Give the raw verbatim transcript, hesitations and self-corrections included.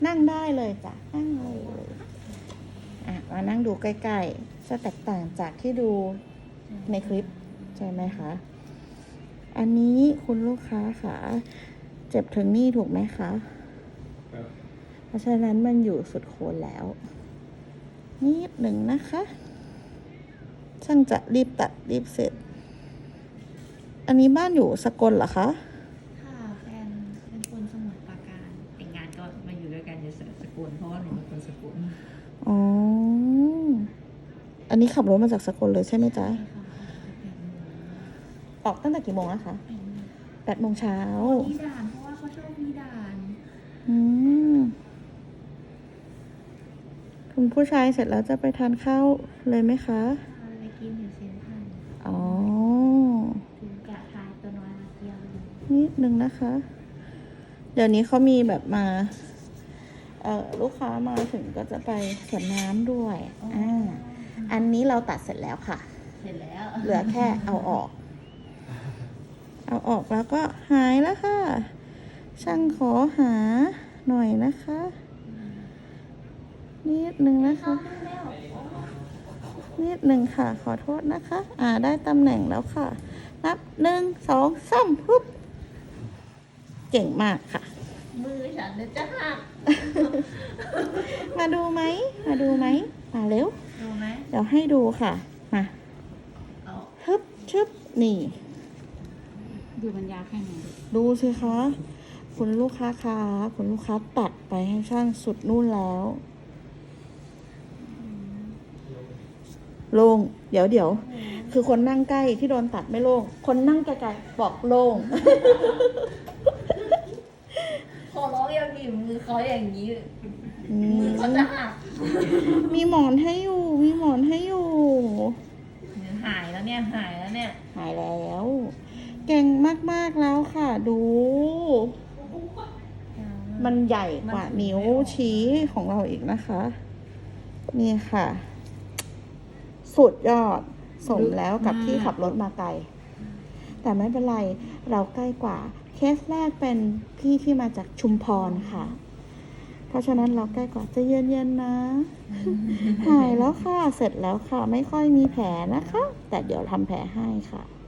นั่งได้เลยจ้ะนั่งเลยอ่ะมานั่งดูใกล้ๆจะแตกต่างจากที่ดูในคลิปใช่ไหมคะอันนี้คุณลูกค้าค่ะเจ็บถึงนี่ถูกไหมคะเพราะฉะนั้นมันอยู่สุดโคนแล้วนิดหนึ่งนะคะช่างจะรีบตัดรีบเสร็จอันนี้บ้านอยู่สกลเหรอคะค่ะแฟนเป็นคนสมุทรปราการแต่งงานก็มาอยู่ด้วยกันอยู่สกลเพราะว่าหนูเป็นคนสกลอ๋ออันนี้ขับรถมาจากสกลเลยใช่ไหมจ๊ะออกตั้งแต่กี่โมงอะคะแปดโมงเช้ามีด่านเพราะว่าเขาชอบมีด่านอืมคุณผู้ชายเสร็จแล้วจะไปทานข้าวเลยไหมคะไปกินอยู่เซนทรัลอ๋อถึงกะทายตัวน้อยมาเที่ยวนิดนึงนะคะ เดี๋ยวนี้เขามีแบบมาเอ่อลูกค้ามาถึงก็จะไปสวนน้ำด้วยอ่าอันนี้เราตัดเสร็จแล้วค่ะเสร็จแล้วเหลือแค่เอาออกเอาออกแล้วก็หายแล้วค่ะช่างขอหาหน่อยนะคะนิดนึงนะคะนิดนึงค่ะขอโทษนะคะอ่าได้ตำแหน่งแล้วค่ะนับหนึ่งสองสามปุ๊บเก่งมากค่ะมือฉันจะหักมาดูไหมมาดูไหมมาเร็วดูไหมเดี๋ยวให้ดูค่ะมาฮึบชึบนี่ดูบรรยาแค่ไหนดูสิคะคุณลูกค้าคะคุณลูกค้าตัดไปให้ช่างสุดนู่นแล้วโล่งเดี๋ยวเดี๋ยวคือคนนั่งใกล้ที่โดนตัดไม่โล่งคนนั่งไกลๆบอกโล่งพอร้องยังดิมือเขาอย่างนี้มือเขาจะหักมีหมอนให้อยู่มีหมอนให้อยู่หายแล้วเนี่ยหายแล้วเนี่ยหายแล้วเก่งมากๆแล้วค่ะดูมันใหญ่กว่านิ้วชี้ของเราอีกนะคะนี่ค่ะสุดยอดสมแล้วกับที่ขับรถมาไกลแต่ไม่เป็นไรเราใกล้กว่าเคสแรกเป็นพี่ที่มาจากชุมพรค่ะเพราะฉะนั้นเราใกล้กว่าจะเย็นๆนะหายแล้วค่ะเสร็จแล้วค่ะไม่ค่อยมีแผลนะคะแต่เดี๋ยวทำแผลให้ค่ะ